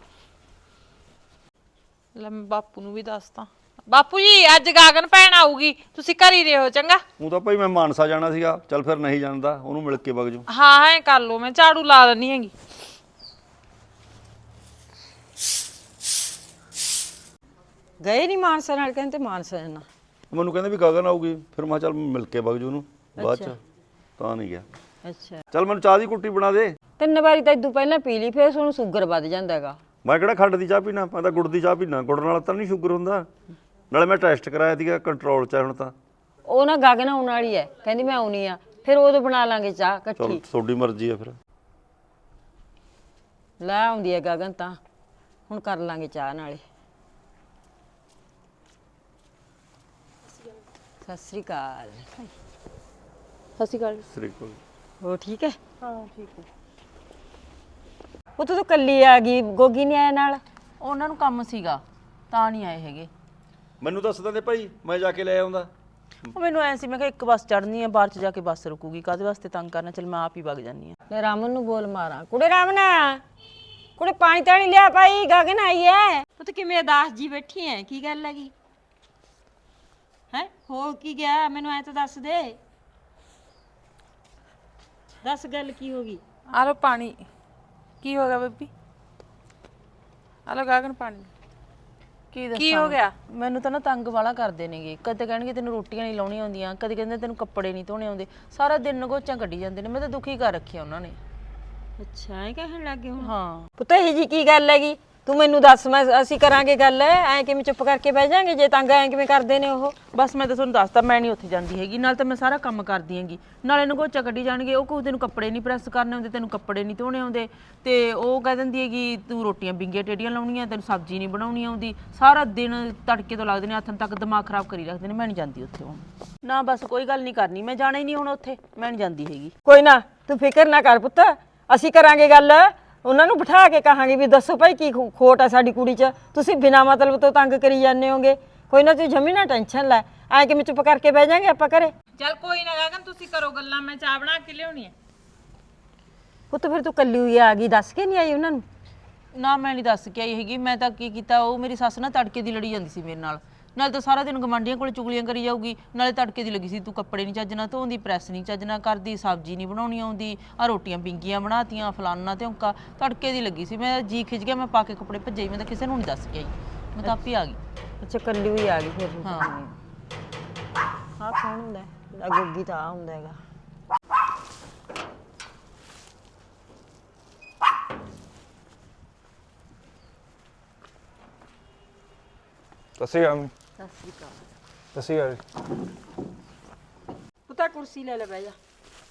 Speaker 1: ਲੈ ਮੈਂ ਬਾਪੂ ਨੂੰ ਵੀ ਦੱਸਦਾ। ਬਾਪੂ ਜੀ ਅੱਜ ਗਾਗਨ ਭੈਣ ਆਊਗੀ, ਤੁਸੀਂ ਘਰ ਹੀ ਰਹੋ ਚੰਗਾ।
Speaker 4: ਉਹ ਤਾਂ ਭਾਈ ਮੈਂ ਮਾਨਸਾ ਜਾਣਾ ਸੀਗਾ, ਚੱਲ ਫਿਰ ਨਹੀਂ ਜਾਣਦਾ, ਉਹਨੂੰ ਮਿਲ ਕੇ ਵਗ ਜੂ।
Speaker 1: ਹਾਂ ਹਾਂ ਕਰ ਲਓ, ਮੈਂ ਝਾੜੂ ਲਾ ਦਿੰਨੀ ਹੈਗੀ।
Speaker 3: ਗਏ ਨਹੀਂ ਮਾਨਸਾ ਨਾਲ? ਕਹਿੰਦੇ ਮਾਨਸਾ ਜਾਣਾ।
Speaker 4: ਮੈਨੂੰ ਕਹਿੰਦੇ ਵੀ ਗਗਨ ਆਊਗੀ, ਫਿਰ ਮੈਂ ਚੱਲ ਮਿਲ ਕੇ ਵਗ ਜੂ ਉਹਨੂੰ ਬਾਅਦ ਚ, ਤਾਂ ਨਹੀਂ ਗਿਆ।
Speaker 3: ਅੱਛਾ
Speaker 4: ਚੱਲ ਮੈਨੂੰ ਚਾਹ ਦੀ ਕੁੱਟੀ ਬਣਾ ਦੇ।
Speaker 3: 3 ਵਾਰੀ ਤਾਂ ਇਦੋਂ ਪਹਿਲਾਂ ਪੀ ਲਈ, ਫਿਰ ਉਹਨੂੰ ਸ਼ੂਗਰ ਵੱਧ ਜਾਂਦਾ ਹੈਗਾ।
Speaker 4: ਮੈਂ ਕਿਹੜਾ ਖੰਡ ਦੀ ਚਾਹ ਪੀਣਾ, ਮੈਂ ਤਾਂ ਗੁੜ ਦੀ ਚਾਹ ਪੀਣਾ। ਗੁੜ ਨਾਲ ਤਾਂ ਨਹੀਂ ਸ਼ੂਗਰ ਹੁੰਦਾ। ਨਾਲੇ ਮੈਂ ਟੈਸਟ ਕਰਾਇਆ ਸੀਗਾ, ਕੰਟਰੋਲ 'ਚ ਹੁਣ ਤਾਂ।
Speaker 3: ਉਹ ਨਾ ਗਗਨ ਆਉਣ ਵਾਲੀ ਹੈ, ਕਹਿੰਦੀ ਮੈਂ ਆਉਣੀ ਆ, ਫਿਰ ਉਦੋਂ ਬਣਾ ਲਾਂਗੇ ਚਾਹ
Speaker 4: ਚਲ
Speaker 3: ਇਕੱਠੀ।
Speaker 4: ਤੁਹਾਡੀ ਮਰਜ਼ੀ ਆ ਫਿਰ।
Speaker 3: ਲੈ ਆਉਂਦੀ ਹੈ ਗਗਨ ਤਾਂ, ਹੁਣ ਕਰ ਲਾਂਗੇ ਚਾਹ ਨਾਲੇ। ਸਤਿ ਸ੍ਰੀ ਅਕਾਲ।
Speaker 4: ਸ੍ਰੀ ਅਕਾਲ।
Speaker 3: ਹੋ ਠੀਕ ਹੈ?
Speaker 1: ਹਾਂ ਠੀਕ ਹੈ।
Speaker 3: ਉਹ ਤੂੰ ਕੱਲੀ ਆ ਗਈ, ਗੋਗੀ ਨਹੀਂ ਆਇਆ ਨਾਲ?
Speaker 6: ਉਹਨਾਂ ਨੂੰ ਕੰਮ ਸੀਗਾ ਤਾਂ ਨਹੀਂ ਆਏ ਹੈਗੇ।
Speaker 4: ਮੈਨੂੰ ਦੱਸ ਦਿੰਦੇ ਭਾਈ, ਮੈਂ ਜਾ ਕੇ ਲੈ ਆਉਂਦਾ।
Speaker 6: ਉਹ ਮੈਨੂੰ ਐ ਸੀ ਮੈਂ ਕਿਹਾ ਇੱਕ ਬੱਸ ਚੜ੍ਹਨੀ ਆ, ਬਾਅਦ ਚ ਜਾ ਕੇ ਬੱਸ ਰੁਕੂਗੀ, ਕਾਹਦੇ ਵਾਸਤੇ ਤੰਗ ਕਰਨਾ, ਚਲ ਮੈਂ ਆਪ ਹੀ ਵਗ ਜਾਂਦੀ ਆ।
Speaker 3: ਲੈ ਰਾਮਨ ਨੂੰ ਬੋਲ ਮਾਰਾਂ, ਕੁੜੇ ਰਾਮਨਾ ਕੁੜੇ ਪਾਣੀ ਤਾਣੀ ਲਿਆ ਭਾਈ, ਗਗਨ ਆਈ ਐ। ਪੁੱਤ ਕਿਵੇਂ ਉਦਾਸ ਜੀ ਬੈਠੀ ਐ, ਕੀ ਗੱਲ ਹੈਗੀ ਹੈ? ਹੋ ਕੀ ਗਿਆ ਮੈਨੂੰ ਐ ਤਾਂ ਦੱਸ ਦੇ, ਦੱਸ ਗੱਲ ਕੀ ਹੋ ਗਈ?
Speaker 1: ਆ ਲੋ ਪਾਣੀ। ਕੀ ਹੋ ਗਿਆ ਬੀਬੀ? ਆ ਲੋ ਗਗਨ ਪਾਣੀ।
Speaker 6: ਕੀ ਦੱਸਾਂ
Speaker 1: ਕੀ ਹੋ ਗਿਆ?
Speaker 6: ਮੈਨੂੰ ਤਾਂ ਨਾ ਤੰਗ ਵਾਲਾ ਕਰਦੇ ਨੇਗੇ, ਕਦੇ ਕਹਿਣਗੇ ਤੈਨੂੰ ਰੋਟੀਆਂ ਨਹੀਂ ਲਾਉਣੀਆਂ ਆਉਂਦੀਆਂ, ਕਦੇ ਕਹਿੰਦੇ ਤੈਨੂੰ ਕੱਪੜੇ ਨਹੀਂ ਧੋਣੇ ਆਉਂਦੇ, ਸਾਰਾ ਦਿਨ ਨਗੋਚਾਂ ਕੱਢੀ ਜਾਂਦੇ ਨੇ। ਮੈਂ ਤਾਂ ਦੁਖੀ ਕਰ ਰੱਖਿਆ ਉਹਨਾਂ ਨੇ।
Speaker 3: ਅੱਛਾ ਇਹ ਕਹਿਣ ਲੱਗ ਗਏ ਹੁਣ?
Speaker 6: ਹਾਂ
Speaker 3: ਪੁੱਤ ਇਹ ਜੀ ਕੀ ਗੱਲ ਹੈਗੀ, ਤੂੰ ਮੈਨੂੰ ਦੱਸ, ਮੈਂ ਅਸੀਂ ਕਰਾਂਗੇ ਗੱਲ, ਐ ਕਿਵੇਂ ਚੁੱਪ ਕਰਕੇ ਬਹਿ ਜਾਾਂਗੇ ਜੇ ਤੰਗ ਐ ਕਿਵੇਂ ਕਰਦੇ ਨੇ ਉਹ?
Speaker 6: ਬਸ ਮੈਂ ਤਾਂ ਤੁਹਾਨੂੰ ਦੱਸਤਾ, ਮੈਂ ਨਹੀਂ ਉੱਥੇ ਜਾਂਦੀ ਹੈਗੀ, ਨਾਲ ਤਾਂ ਮੈਂ ਸਾਰਾ ਕੰਮ ਕਰਦੀ ਹੈਗੀ, ਨਾਲੇ ਨਗੋਚਾ ਕੱਢੀ ਜਾਣਗੇ। ਉਹ ਕਹੂ ਤੈਨੂੰ ਕੱਪੜੇ ਨਹੀਂ ਪ੍ਰੈਸ ਕਰਨੇ ਆਉਂਦੇ, ਤੈਨੂੰ ਕੱਪੜੇ ਨਹੀਂ ਧੋਣੇ ਆਉਂਦੇ, ਤੇ ਉਹ ਕਹਿ ਦਿੰਦੀ ਹੈਗੀ ਤੂੰ ਰੋਟੀਆਂ ਬਿੰਗੀਆਂ ਟੇਡੀਆਂ ਲਾਉਣੀਆਂ, ਤੈਨੂੰ ਸਬਜ਼ੀ ਨਹੀਂ ਬਣਾਉਣੀ ਆਉਂਦੀ। ਸਾਰਾ ਦਿਨ ਤੜਕੇ ਤੋਂ ਲੱਗਦੇ ਨੇ ਹੱਥਾਂ ਤੱਕ, ਦਿਮਾਗ ਖਰਾਬ ਕਰੀ ਰੱਖਦੇ ਨੇ। ਮੈਂ ਨਹੀਂ ਜਾਂਦੀ ਉੱਥੇ ਹੁਣ, ਨਾ ਬਸ ਕੋਈ ਗੱਲ ਨਹੀਂ ਕਰਨੀ, ਮੈਂ ਜਾਣਾ ਹੀ ਨਹੀਂ ਹੁਣ ਉੱਥੇ, ਮੈਂ ਨਹੀਂ ਜਾਂਦੀ ਹੈਗੀ।
Speaker 3: ਕੋਈ ਨਾ ਤੂੰ ਫਿਕਰ ਨਾ ਕਰ ਪੁੱਤ, ਅਸੀਂ ਕਰਾਂਗੇ ਗੱਲ, ਉਹਨਾਂ ਨੂੰ ਬਿਠਾ ਕੇ ਕਹਾਂਗੇ ਵੀ ਦੱਸੋ ਭਾਈ ਕੀ ਖੋਟ ਆ ਸਾਡੀ ਕੁੜੀ 'ਚ, ਤੁਸੀਂ ਬਿਨਾਂ ਮਤਲਬ ਤੋਂ ਤੰਗ ਕਰੀ ਜਾਂਦੇ ਹੋਗੇ। ਕੋਈ ਨਾ ਤੂੰ ਜਮੀ ਨਾ ਟੈਨਸ਼ਨ ਲੈ, ਐ ਕਿਵੇਂ ਚੁੱਪ ਕਰਕੇ ਬਹਿ ਜਾਾਂਗੇ ਆਪਾਂ ਘਰੇ।
Speaker 1: ਚੱਲ ਕੋਈ ਨਾ ਗਗਨ, ਤੁਸੀਂ ਕਰੋ ਗੱਲਾਂ, ਮੈਂ ਚਾਹ ਬਣਾ ਕੇ ਲਿਆਉਣੀ ਹੈ।
Speaker 3: ਪੁੱਤ ਫਿਰ ਤੂੰ ਕੱਲੀ ਹੋਈ ਆ ਗਈ, ਦੱਸ ਕੇ ਨਹੀਂ ਆਈ ਉਹਨਾਂ ਨੂੰ?
Speaker 6: ਨਾ ਮੈਂ ਨਹੀਂ ਦੱਸ ਕੇ ਆਈ ਹੈਗੀ, ਮੈਂ ਤਾਂ ਕੀ ਕੀਤਾ, ਉਹ ਮੇਰੀ ਸੱਸ ਨਾ ਤੜਕੇ ਦੀ ਲੜੀ ਜਾਂਦੀ ਸੀ ਮੇਰੇ ਨਾਲ ਤਾਂ ਸਾਰਾ ਦਿਨ ਗਵਾਂਢੀਆਂ ਕੋਲ ਚੁਗਲੀਆਂ ਕਰੀ ਜਾਊਗੀ, ਨਾਲੇ ਤੜਕੇ ਦੀ ਲੱਗੀ ਸੀ ਤੂੰ ਕੱਪੜੇ ਨਹੀਂ ਚੱਜ ਨਾਲ ਧੋਂਦੀ, ਪ੍ਰੈਸ ਨਹੀਂ ਚੱਜ ਨਾਲ ਕਰਦੀ, ਸਬਜ਼ੀ ਨਹੀਂ ਬਣਾਉਣੀ ਆਉਂਦੀ, ਆ ਰੋਟੀਆਂ ਪਿੰਗੀਆਂ ਬਣਾਤੀਆਂ, ਫਲਾਨਾ ਧੌਂਕਾ, ਤੜਕੇ ਦੀ ਲੱਗੀ ਸੀ। ਮੈਂ ਜੀ ਖਿੱਚ ਗਿਆ, ਮੈਂ ਪਾ ਕੇ ਕੱਪੜੇ ਭੱਜੇ, ਮੈਂ ਤਾਂ ਕਿਸੇ ਨੂੰ ਨਹੀਂ ਦੱਸ ਕੇ ਆਈ, ਮੈਂ ਤਾਂ ਆਪੇ ਆ ਗਈ।
Speaker 3: ਅੱਛਾ ਕੱਲੀ ਹੋਈ ਆ ਗਈ ਫਿਰ?
Speaker 6: ਹਾਂ
Speaker 3: ਹਾਂ ਕੌਣ ਹੁੰਦਾ ਹੈ? ਗੋਗੀ ਤਾਂ ਆ ਹੁੰਦਾ ਹੈਗਾ।
Speaker 7: ਸਸੀ ਗਾਮੀ ਸਸੀ ਗਾ
Speaker 3: ਪੁੱਤਾ ਕੁਰਸੀ ਲੈ ਲੈ, ਬਹਿ ਜਾ।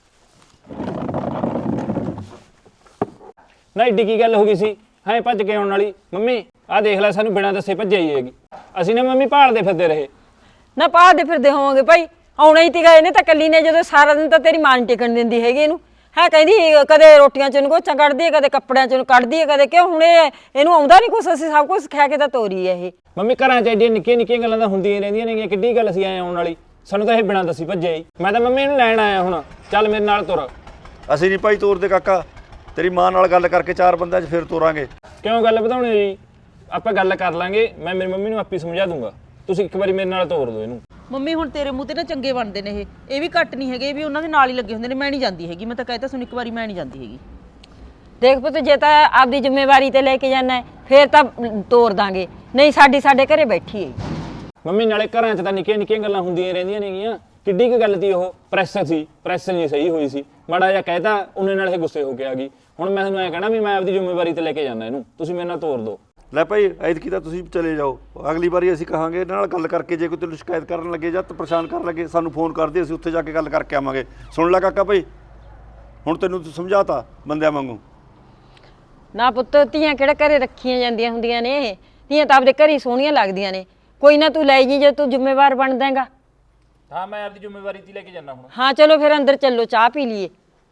Speaker 7: ਨਾ ਏਡੀ ਕੀ ਗੱਲ ਹੋ ਗਈ ਸੀ ਹਾਂ ਭੱਜ ਕੇ ਆਉਣ ਵਾਲੀ? ਮੰਮੀ ਆਹ ਦੇਖ ਲੈ, ਸਾਨੂੰ ਬਿਨਾਂ ਦੱਸੇ ਭੱਜਿਆ ਹੀ ਹੈਗੀ। ਅਸੀਂ ਨਾ ਮੰਮੀ ਭਾਲਦੇ ਫਿਰਦੇ ਰਹੇ।
Speaker 3: ਨਾ ਭਾਲਦੇ ਫਿਰਦੇ ਹੋਵਾਂਗੇ ਭਾਈ, ਆਉਣਾ ਹੀ ਤੀਗਾ ਇਹਨੇ ਤਾਂ ਕੱਲੀ ਨੇ, ਜਦੋਂ ਸਾਰਾ ਦਿਨ ਤਾਂ ਤੇਰੀ ਮਾਂ ਨੀ ਟਿਕਣ ਦਿੰਦੀ ਹੈਗੀ ਇਹਨੂੰ। ਹੈ ਕਹਿੰਦੀ ਕਦੇ ਰੋਟੀਆਂ ਚੋਂ ਨਗੋਚਾਂ ਕੱਢਦੀ ਹੈ, ਕਦੇ ਕੱਪੜਿਆਂ ਚੋਂ ਕੱਢਦੀ ਹੈ, ਕਦੇ ਕਿਉਂ ਹੁਣ ਇਹਨੂੰ ਆਉਂਦਾ ਨਹੀਂ ਕੁਛ, ਅਸੀਂ ਸਭ ਕੁਝ ਸਿਖਾ ਕੇ ਤਾਂ ਤੋਰੀ ਹੈ ਇਹ।
Speaker 7: ਮੰਮੀ ਘਰਾਂ 'ਚ ਏਡੀਆਂ ਨਿੱਕੀਆਂ ਨਿੱਕੀਆਂ ਗੱਲਾਂ ਤਾਂ ਹੁੰਦੀਆਂ ਰਹਿੰਦੀਆਂ ਨੇਗੀਆਂ, ਕਿੱਡੀ ਗੱਲ ਸੀ ਐ ਆਉਣ ਵਾਲੀ? ਸਾਨੂੰ ਤਾਂ ਇਹ ਬਿਨਾਂ ਦੱਸੀ ਭੱਜਿਆ ਹੀ। ਮੈਂ ਤਾਂ ਮੰਮੀ ਇਹਨੂੰ ਲੈਣ ਆਇਆ ਹੁਣ, ਚੱਲ ਮੇਰੇ ਨਾਲ ਤੁਰ।
Speaker 4: ਅਸੀਂ ਨਹੀਂ ਭਾਈ ਤੋਰਦੇ ਕਾਕਾ, ਤੇਰੀ ਮਾਂ ਨਾਲ ਗੱਲ ਕਰਕੇ 4 ਬੰਦਿਆਂ 'ਚ ਫਿਰ ਤੋਰਾਂਗੇ।
Speaker 7: ਕਿਉਂ ਗੱਲ ਵਧਾਉਣੀ ਜੀ? ਆਪਾਂ ਗੱਲ ਕਰ ਲਾਂਗੇ, ਮੈਂ ਮੇਰੀ ਮੰਮੀ ਨੂੰ ਆਪੇ ਸਮਝਾ ਦੂੰਗਾ, ਤੁਸੀਂ ਇੱਕ ਵਾਰੀ ਮੇਰੇ ਨਾਲ ਤੋਰ ਦਿਓ ਇਹਨੂੰ।
Speaker 6: ਮੰਮੀ ਹੁਣ ਤੇਰੇ ਮੂੰਹ ਤੇ ਨਾ ਚੰਗੇ ਬਣਦੇ ਨੇ ਇਹ ਵੀ ਘੱਟ ਨਹੀਂ ਹੈਗੇ, ਇਹ ਵੀ ਉਹਨਾਂ ਦੇ ਨਾਲ ਹੀ ਲੱਗੇ ਹੁੰਦੇ ਨੇ। ਮੈਂ ਨਹੀਂ ਜਾਂਦੀ ਹੈਗੀ, ਮੈਂ ਤਾਂ ਕਹਿਤਾ ਸੁਣ ਇੱਕ ਵਾਰੀ, ਮੈਂ ਨਹੀਂ ਜਾਂਦੀ ਹੈਗੀ।
Speaker 3: ਦੇਖ ਪੁੱਤ, ਜੇ ਤਾਂ ਆਪਦੀ ਜ਼ਿੰਮੇਵਾਰੀ ਤੇ ਲੈ ਕੇ ਜਾਣਾ ਫੇਰ ਤਾਂ ਤੋਰ ਦਾਂਗੇ, ਨਹੀਂ ਸਾਡੇ ਘਰੇ ਬੈਠੀ ਹੈ।
Speaker 7: ਮੰਮੀ ਨਾਲੇ ਘਰਾਂ 'ਚ ਤਾਂ ਨਿੱਕੀਆਂ ਨਿੱਕੀਆਂ ਗੱਲਾਂ ਹੁੰਦੀਆਂ ਰਹਿੰਦੀਆਂ ਨੇਗੀਆਂ, ਕਿੱਡੀ ਕੁ ਗੱਲ ਤੀ ਉਹ? ਪ੍ਰੈਸ ਸੀ, ਪ੍ਰੈਸ ਨਹੀਂ ਸਹੀ ਹੋਈ ਸੀ, ਮਾੜਾ ਜਿਹਾ ਕਹਿਤਾ ਉਹਨੇ ਨਾਲ ਇਹ ਗੁੱਸੇ ਹੋ ਕੇ ਆ ਗਈ। ਹੁਣ ਮੈਂ ਤੁਹਾਨੂੰ ਐਂ ਕਹਿਣਾ ਵੀ ਮੈਂ ਆਪਦੀ ਜ਼ਿੰਮੇਵਾਰੀ ਤੇ ਲੈ ਕੇ ਜਾਣਾ ਇਹਨੂੰ, ਤੁਸੀਂ ਮੇਰੇ ਨਾਲ ਤੋਰ ਦਿਓ।
Speaker 4: ਲੈ ਭਾਈ ਐਤਕੀ ਤਾਂ ਤੁਸੀਂ ਚਲੇ ਜਾਓ, ਅਗਲੀ ਵਾਰੀ ਅਸੀਂ ਕਹਾਂਗੇ ਇਹਨਾਂ ਨਾਲ ਗੱਲ ਕਰਕੇ, ਜੇ ਕੋਈ ਤੈਨੂੰ ਸ਼ਿਕਾਇਤ ਕਰਨ ਲੱਗੇ ਜਾਂ ਪਰੇਸ਼ਾਨ ਕਰਨ ਲੱਗੇ ਸਾਨੂੰ ਫੋਨ ਕਰਦੇ, ਅਸੀਂ ਉੱਥੇ ਜਾ ਕੇ ਗੱਲ ਕਰਕੇ ਆਵਾਂਗੇ। ਸੁਣ ਲੈ ਕਾਕਾ ਭਾਈ, ਹੁਣ ਤੈਨੂੰ ਸਮਝਾਤਾ ਬੰਦਿਆਂ ਵਾਂਗੂ।
Speaker 3: ਨਾ ਪੁੱਤ, ਧੀਆਂ ਕਿਹੜਾ ਘਰੇ ਰੱਖੀਆਂ ਜਾਂਦੀਆਂ ਹੁੰਦੀਆਂ ਨੇ, ਧੀਆਂ ਤਾਂ ਆਪਦੇ ਘਰੇ ਸੋਹਣੀਆਂ ਲੱਗਦੀਆਂ ਨੇ। ਕੋਈ ਨਾ ਤੂੰ ਲੈ ਜੀ, ਜੇ ਤੂੰ ਜ਼ਿੰਮੇਵਾਰ ਬਣ ਦੇਂਗਾ।
Speaker 7: ਹਾਂ ਮੈਂ ਆਪਦੀ ਜ਼ਿੰਮੇਵਾਰੀ ਤੇ ਲੈ ਕੇ ਜਾਣਾ ਹੁਣ।
Speaker 3: ਹਾਂ ਚਲੋ ਫਿਰ ਅੰਦਰ ਚੱਲੋ, ਚਾਹ ਪੀ ਲਈਏ।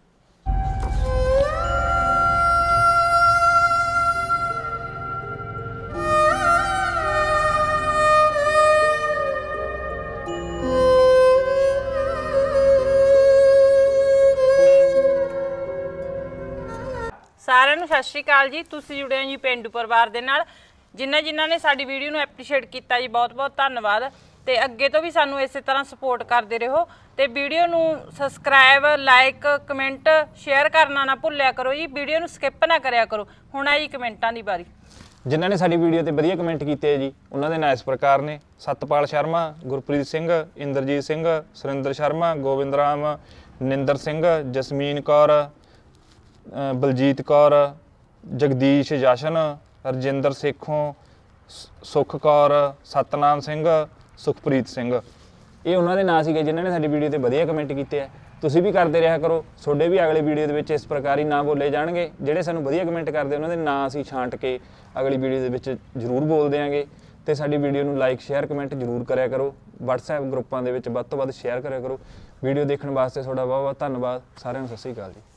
Speaker 1: ਸਾਰਿਆਂ ਨੂੰ ਸਤਿ ਸ਼੍ਰੀ ਅਕਾਲ ਜੀ। ਤੁਸੀਂ ਜੁੜੇ ਹੋ ਜੀ ਪੇਂਡੂ ਪਰਿਵਾਰ ਦੇ ਨਾਲ। ਜਿਨ੍ਹਾਂ ਨੇ ਸਾਡੀ ਵੀਡੀਓ ਨੂੰ ਐਪਰੀਸ਼ੀਏਟ ਕੀਤਾ ਜੀ, ਬਹੁਤ ਬਹੁਤ ਧੰਨਵਾਦ। ਤੇ ਅੱਗੇ ਤੋਂ ਵੀ ਸਾਨੂੰ ਇਸੇ ਤਰ੍ਹਾਂ ਸਪੋਰਟ ਕਰਦੇ ਰਹੋ, ਤੇ ਵੀਡੀਓ ਨੂੰ ਸਬਸਕ੍ਰਾਈਬ, ਲਾਈਕ, ਕਮੈਂਟ, ਸ਼ੇਅਰ ਕਰਨਾ ਨਾ ਭੁੱਲਿਆ ਕਰੋ ਜੀ। ਵੀਡੀਓ ਨੂੰ ਸਕਿਪ ਨਾ ਕਰਿਆ ਕਰੋ। ਹੁਣ ਆਈ ਕਮੈਂਟਾਂ ਦੀ ਵਾਰੀ।
Speaker 7: ਜਿਨ੍ਹਾਂ ਨੇ ਸਾਡੀ ਵੀਡੀਓ ਤੇ ਵਧੀਆ ਕਮੈਂਟ ਕੀਤੇ ਆ ਜੀ, ਉਹਨਾਂ ਦੇ ਨਾਂ ਇਸ ਪ੍ਰਕਾਰ ਨੇ: ਸਤਪਾਲ ਸ਼ਰਮਾ, ਗੁਰਪ੍ਰੀਤ ਸਿੰਘ, ਇੰਦਰਜੀਤ ਸਿੰਘ, ਸੁਰਿੰਦਰ ਸ਼ਰਮਾ, ਗੋਬਿੰਦ ਰਾਮ, ਨਿੰਦਰ ਸਿੰਘ, ਜਸਮੀਨ ਕੌਰ, ਬਲਜੀਤ ਕੌਰ, ਜਗਦੀਸ਼ ਜਸ਼ਨ, ਰਜਿੰਦਰ ਸੇਖੋਂ, ਸੁਖ ਕੌਰ, ਸਤਨਾਮ ਸਿੰਘ, ਸੁਖਪ੍ਰੀਤ ਸਿੰਘ। ਇਹ ਉਹਨਾਂ ਦੇ ਨਾਂ ਸੀਗੇ ਜਿਨ੍ਹਾਂ ਨੇ ਸਾਡੀ ਵੀਡੀਓ ਤੇ ਵਧੀਆ ਕਮੈਂਟ ਕੀਤੇ ਆ। ਤੁਸੀਂ ਵੀ ਕਰਦੇ ਰਿਹਾ ਕਰੋ, ਤੁਹਾਡੇ ਵੀ ਅਗਲੇ ਵੀਡੀਓ ਦੇ ਵਿੱਚ ਇਸ ਪ੍ਰਕਾਰ ਹੀ ਨਾਂ ਬੋਲੇ ਜਾਣਗੇ। ਜਿਹੜੇ ਸਾਨੂੰ ਵਧੀਆ ਕਮੈਂਟ ਕਰਦੇ ਉਹਨਾਂ ਦੇ ਨਾਂ ਅਸੀਂ ਛਾਂਟ ਕੇ ਅਗਲੀ ਵੀਡੀਓ ਦੇ ਵਿੱਚ ਜ਼ਰੂਰ ਬੋਲ ਦਿਆਂਗੇ। ਤੇ ਸਾਡੀ ਵੀਡੀਓ ਨੂੰ ਲਾਈਕ, ਸ਼ੇਅਰ, ਕਮੈਂਟ ਜ਼ਰੂਰ ਕਰਿਆ ਕਰੋ। WhatsApp ਗਰੁੱਪਾਂ ਦੇ ਵਿੱਚ ਵੱਧ ਤੋਂ ਵੱਧ ਸ਼ੇਅਰ ਕਰਿਆ ਕਰੋ। ਵੀਡੀਓ ਦੇਖਣ ਵਾਸਤੇ ਤੁਹਾਡਾ ਬਹੁਤ ਬਹੁਤ ਧੰਨਵਾਦ। ਸਾਰਿਆਂ ਨੂੰ ਸਤਿ ਸ਼੍ਰੀ ਅਕਾਲ ਜੀ।